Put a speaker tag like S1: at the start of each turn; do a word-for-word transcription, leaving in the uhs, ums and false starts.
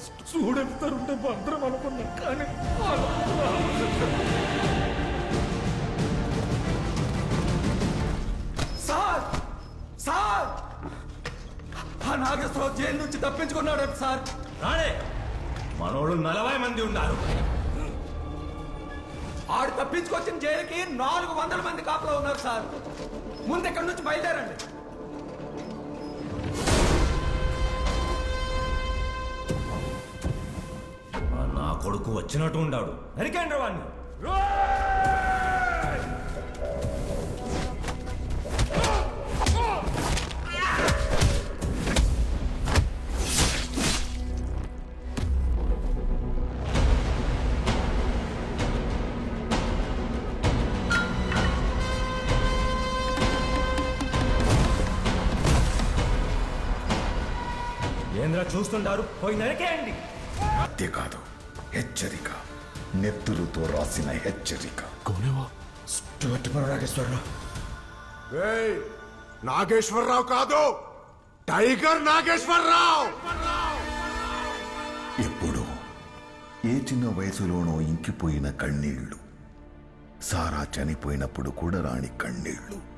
S1: చూడెళ్తారుంటే భద్రం అనుకున్నా కానీ
S2: సార్ సార్ ఆ నాగేశ్వరరావు జైలు నుంచి తప్పించుకున్నాడు సార్.
S3: రాడే మనోళ్ళు నలభై మంది ఉన్నారు.
S2: ఆడు తప్పించుకొచ్చిన జైలుకి నాలుగు వందల మంది కాపలా ఉన్నారు సార్. ముందు ఎక్కడి నుంచి బయలుదేరండి.
S3: నా కొడుకు వచ్చినట్టు ఉండాడు. నరికేంద్ర వాడిని. ఏంద్ర చూస్తుంటారు, పోయి నరికేయండి.
S4: అంతేకాదు, హెచ్చరిక, నెత్తురుతో రాసిన హెచ్చరిక.
S2: నాగేశ్వరరావు
S5: నాగేశ్వరరావు కాదు, టైగర్ నాగేశ్వరరావు.
S4: ఎప్పుడు ఏ చిన్న వయసులోనో ఇంకిపోయిన కన్నీళ్లు, సారా చనిపోయినప్పుడు కూడా రాని కన్నీళ్లు.